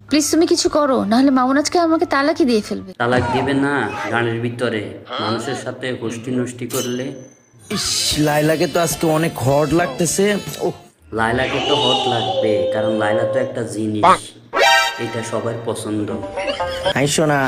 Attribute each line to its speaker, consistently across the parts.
Speaker 1: Please তুমি কিছু করো, নাহলে মামুন আজকে আমাকে তালাকই দিয়ে ফেলবে।
Speaker 2: তালাক দিবে না গানের ভিতরে মানুষের সাথে গোষ্ঠী নষ্টি করলে?
Speaker 3: ইস, লাইলাকে তো আজকে অনেক হট লাগতেছে। ওহ,
Speaker 2: লাইলাকে তো হট লাগবে, কারণ লাইলা তো একটা জিনিস, এটা সবার পছন্দ।
Speaker 3: আইসো না।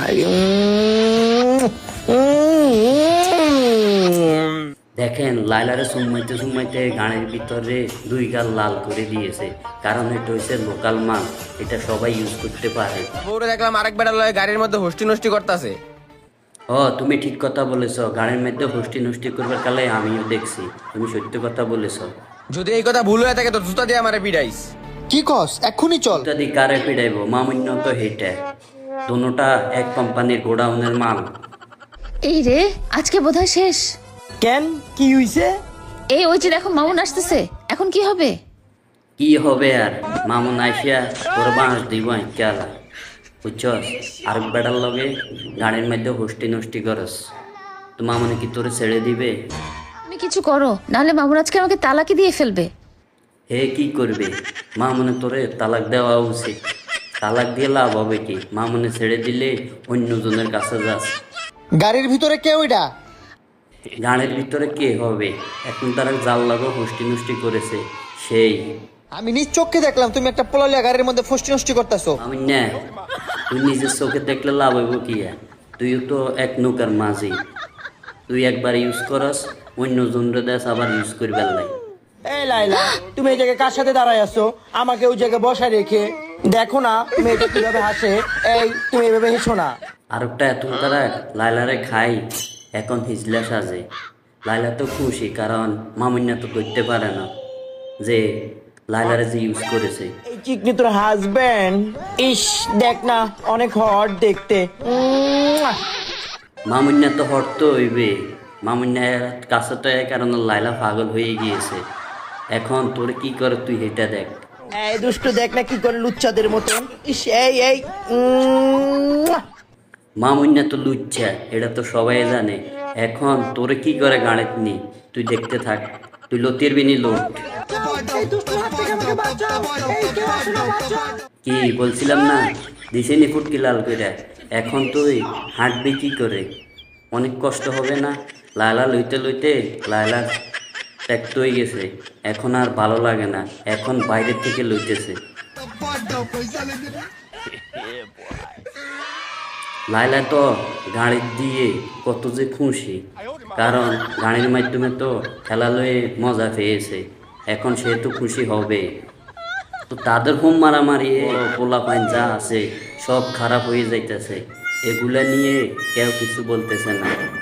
Speaker 2: দেখেন লাইলারে সুমাইতে সুমাইতে গানের ভিতরে দুই গাল লাল করে দিয়েছে, কারণ এটা হচ্ছে লোকাল মাল, এটা সবাই ইউজ করতে পারে।
Speaker 4: বউরে দেখলাম আরেক বেড়া লয় গাড়ির মধ্যে হোস্টি নষ্টি করতেছে।
Speaker 2: ও তুমি ঠিক কথা বলেছ, গানের মধ্যে হোস্টি নষ্টি করবার কালে আমিও দেখছি, তুমি সত্য কথা বলেছ।
Speaker 4: যদি এই কথা ভুল হয়ে থাকে তো জুতা দিয়ে আমারে পিড়াইস।
Speaker 5: কি কস? এক্ষুনি চল।
Speaker 2: যদি কারে পিড়াইব, মামুন্য তো হেটে, দোনোটা এক কোম্পানির গোডাউনের মাল।
Speaker 1: এই রে, আজকে বোধহয় শেষ।
Speaker 3: কেন, কি হইছে?
Speaker 1: এই ওই যে দেখো মামুন আসতেছে, এখন কি হবে?
Speaker 2: কি হবে আর, মামুন আইসিয়া তোর বাঁশ দিব আইকালা, বুঝছস? আর বেড়ার লগে গানের মধ্যে হোস্টি নষ্টি করস, তো মামুনে কি তোরে ছেড়ে দিবে?
Speaker 1: তুমি কিছু করো, নাহলে মামুন আজকে আমাকে তালাকই দিয়ে ফেলবে।
Speaker 2: হে কি করবে? মামুনে তোরে তালাক দেওয়া উচিত। তালাক দিয়ে লাভ হবে কি? মামুনে ছেড়ে দিলে অন্যজনের কাছে যাস।
Speaker 5: গাড়ির ভিতরে কেউ এটা?
Speaker 2: গানের ভিতরে কে হবে? এখন তারা জাল লাগো হোস্টি নষ্টি করেছে সেই।
Speaker 5: আমি নিজ চোখে দেখলাম তুমি একটা পোলালিয়া গাড়ির মধ্যে ফষ্টি নষ্টি করতেছো।
Speaker 2: আমি না, তুই নিজের চোখে দেখলে লাভ হইব কি আর? তুইও তো এক নৌকার মাঝি, তুই একবার ইউজ করস, অন্যজনরে দেশ আবার ইউজ করবার লাই।
Speaker 3: এই লাইলা, তুমি এই জায়গায় কার সাথে দাঁড়ায় আছো? আমাকে ওই জায়গায় বসায় রেখে দেখো না মেয়েটা কিভাবে হাসে। এই তুমি এভাবে হেসো না।
Speaker 2: আর একটা এত তারা লাইলারে খাই, এখন হিজলা সাজে। লাইলা তো খুশি, কারণ মামুন্যা তো করতে পারে না যে লাইলারে যে ইউজ করেছে।
Speaker 3: এই চিকনি তোর হাজবেন্ড, ইস দেখ না অনেক হট দেখতে।
Speaker 2: মামুন্যা তো হট তো হইবে, মামুন্যার কাছে তো এই কারণে লাইলা পাগল হয়ে গিয়েছে। এখন তোর কি করে তুই এটা দেখ।
Speaker 3: এই দুষ্ট দেখ না কি করে লুচ্চাদের মতন। ইস এই এই
Speaker 2: মামুন্যা তো লুচ্ছা, এটা তো সবাই জানে। এখন তোরে কি করে গাড়িত নি, তুই দেখতে থাক, তুই লতির বিনি লোট। কি বলছিলাম না, দিছে নি ফুটকি লাল করে। এখন তুই হাঁটবি কি করে? অনেক কষ্ট হবে না? লায়লা লইতে লইতে লায়লা ত্যাক্ত হয়ে গেছে, এখন আর ভালো লাগে না, এখন বাইরের থেকে লইতেছে। লাইলা তো গাড়ি দিয়ে কত যে খুশি, কারণ গাড়ির মাধ্যমে তো খেলা লয়ে মজা পেয়েছে, এখন সে তো খুশি হবে। তো তাদের হোম মারামারি পোলা পাইন যা আছে সব খারাপ হয়ে যাইতেছে, এগুলা নিয়ে কেউ কিছু বলতেছে না।